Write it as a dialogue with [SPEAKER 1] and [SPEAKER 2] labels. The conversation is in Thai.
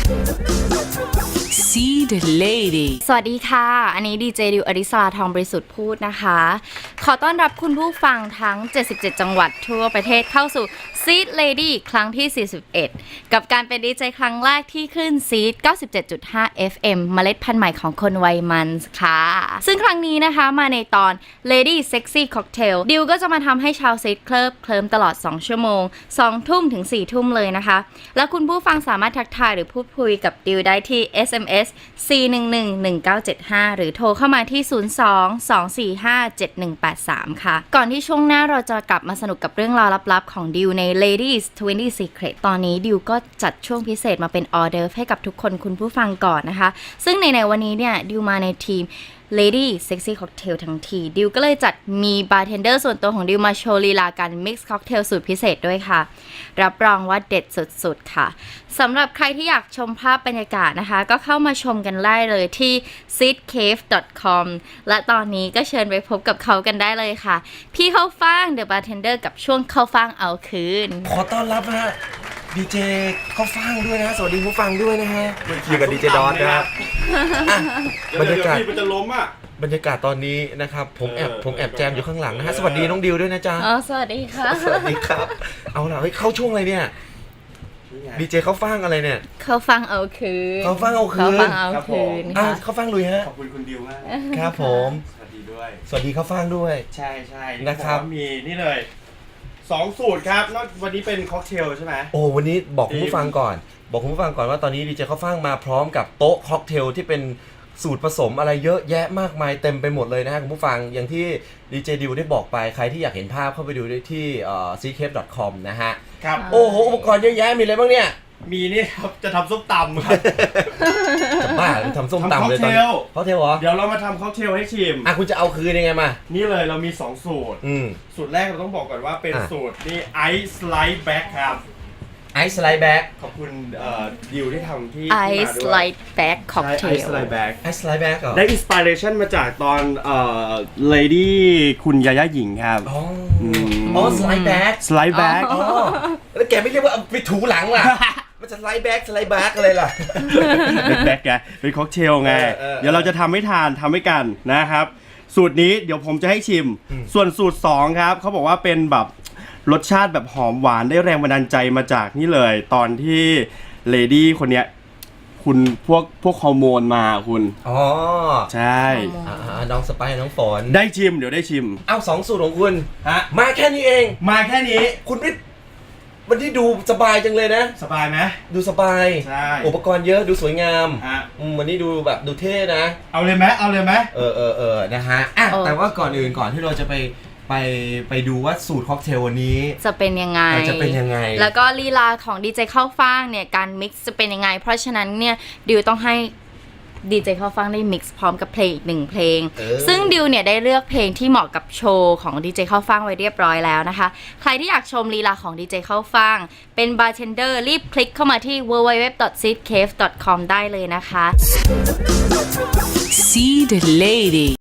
[SPEAKER 1] See the lady
[SPEAKER 2] สวัสดีค่ะอันนี้ดีเจดิวอริสราทองบริสุทธิ์พูดนะคะขอต้อนรับคุณผู้ฟังทั้ง77จังหวัดทั่วประเทศเข้าสู่ Seed Lady ครั้งที่41กับการเป็นดีเจครั้งแรกที่ขึ้น Seed 97.5 FM เมล็ดพันธุ์ใหม่ของคนวัยมันค่ะซึ่งครั้งนี้นะคะมาในตอน Lady Sexy Cocktail ดิวก็จะมาทำให้ชาว Seed เคลิ้มตลอด2ชั่วโมง2ทุ่มถึง4ทุ่มเลยนะคะแล้วคุณผู้ฟังสามารถทักทายหรือพูดคุยกับดิวได้ที่ SMS 4111975 หรือโทรเข้ามาที่ 02-245-7183 ค่ะก่อนที่ช่วงหน้าเราจะกลับมาสนุกกับเรื่องราวลับๆของดิวใน Ladies 20 Secret ตอนนี้ดิวก็จัดช่วงพิเศษมาเป็นออเดิร์ฟให้กับทุกคนคุณผู้ฟังก่อนนะคะซึ่งในวันนี้เนี่ยดิวมาในทีมLady Sexy Cocktail ทั้งทีดิวก็เลยจัดมีบาร์เทนเดอร์ส่วนตัวของดิวมาโชว์ลีลาการ Mix Cocktail สูตรพิเศษด้วยค่ะรับรองว่าเด็ดสุดๆค่ะสำหรับใครที่อยากชมภาพบรรยากาศนะคะก็เข้ามาชมกันได้เลยที่ seedcave.com และตอนนี้ก็เชิญไปพบกับเขากันได้เลยค่ะพี่เข้าฟ่าง The Bartender กับช่วงเข้าฟ่างเอาคืน
[SPEAKER 3] ขอต้อนรับฮะดีเจเข้าฟังด้วยนะสวัสดีผู้ฟังด้วยนะฮะอยู่กับดีเจดอนนะครับบรรยากาศ
[SPEAKER 4] มันจะล้มอ่ะ
[SPEAKER 3] บรรยากาศตอนนี้นะครับผมแอบแจมอยู่ข้างหลังนะฮะสวัสดีน้องดิวด้วยนะจ๊ะ
[SPEAKER 2] สวัสดีค่ะ
[SPEAKER 3] สวัสดีครับเอาล่ะเฮ้ยเข้าช่วงอะไรเนี่ยดีเจเข้าฟังอะไรเนี่ย
[SPEAKER 2] เข้าฟ่างเอาคืน
[SPEAKER 3] เข้าฟังเอาคืนเข้าฟังลุยฮะ
[SPEAKER 4] ขอบคุณคุณดิวมาก
[SPEAKER 3] ครับผม
[SPEAKER 4] สวัสดีด้วย
[SPEAKER 3] สวัสดีเข้าฟังด้วย
[SPEAKER 4] ใช่
[SPEAKER 3] นะครับ
[SPEAKER 4] มีนี่เลย2สูตรครับแล้ววันนี้เป็นค็อกเทลใช่ไหม
[SPEAKER 3] โอ้วันนี้บอกคุณผู้ฟังก่อนว่าตอนนี้ดีเจเข้าฟังมาพร้อมกับโต๊ะค็อกเทลที่เป็นสูตรผสมอะไรเยอะแยะมากมายเต็มไปหมดเลยนะฮะคุณผู้ฟังอย่างที่ดีเจดิวได้บอกไปใครที่อยากเห็นภาพเข้าไปดูได้ที่seedcave.com นะฮะ
[SPEAKER 4] ครับ
[SPEAKER 3] โอ้โหอุปกรณ์เยอะแยะมีอะไรบ้างเนี่ย
[SPEAKER 4] มีนี่ครับจะทำส้มตำครับ
[SPEAKER 3] จะบ้าทำส้มตำเลยตอนค็อกเทลเหรอ
[SPEAKER 4] เดี๋ยวเรามาทำค็อกเทลให้ชิม
[SPEAKER 3] คุณจะเอาคืนยังไงมา
[SPEAKER 4] นี่เลยเรามี2สูตรสูตรแรกเราต้องบอกก่อนว่าเป็นสูตรนี่ไอซ์สไลด์แบ็คครับ
[SPEAKER 3] ไอซ์สไลด์แบ็ค
[SPEAKER 4] ขอบคุณดิวที่ทำที่
[SPEAKER 2] ไอซ์สไลด์แบ็คค็อกเทล
[SPEAKER 4] ไอซ์สไลด์แบ็ค
[SPEAKER 3] ได้
[SPEAKER 4] อินสปิเรชันมาจากตอนLady คุณยาย่าหญิงครับ
[SPEAKER 3] อ๋อสไลด์แบ็คอ๋อแล้วแกไม่เรียกว่าไปถูหลังล่ะมันจะสไลด์แบ็คอะไรล่ะ
[SPEAKER 4] แบ็คไงเป็นค็อกเทลไงเดี๋ยวเราจะทำให้กันนะครับสูตรนี้เดี๋ยวผมจะให้ชิมส่วนสูตร2ครับเขาบอกว่าเป็นแบบรสชาติแบบหอมหวานได้แรงบันดาลใจมาจากนี่เลยตอนที่เลดี้คนเนี้ยคุณพวกฮอร์โมนมาคุณใช่
[SPEAKER 3] น้องสไปน้องฝน
[SPEAKER 4] ได้ชิมเดี๋ยวได้ชิม
[SPEAKER 3] 2 สูตรของคุณมาแค่นี้เองคุณนี่วันนี้ดูสบายจังเลยนะ
[SPEAKER 4] สบายไหม
[SPEAKER 3] ดูสบาย
[SPEAKER 4] ใช่
[SPEAKER 3] อุปกรณ์เยอะดูสวยงามวันนี้ดูแบบดูเท่นะ
[SPEAKER 4] เอาเลยไหม
[SPEAKER 3] นะฮะแต่ว่าก่อนที่เราจะไปดูว่าสูตรค็อกเทลวันนี้
[SPEAKER 2] จะเป็นยังไงแล้วก็ลีลาของดีเจเข้าฟ่างเนี่ยการมิกซ์จะเป็นยังไงเพราะฉะนั้นเนี่ยดิวต้องให้ดีเจเข้าฟังได้มิกซ์พร้อมกับเพลงอีก1เพลงซึ่งดิวเนี่ยได้เลือกเพลงที่เหมาะกับโชว์ของดีเจเข้าฟังไว้เรียบร้อยแล้วนะคะใครที่อยากชมลีลาของดีเจเข้าฟังเป็นบาร์เทนเดอร์รีบคลิกเข้ามาที่ www.seedcave.com ได้เลยนะคะ
[SPEAKER 1] See the lady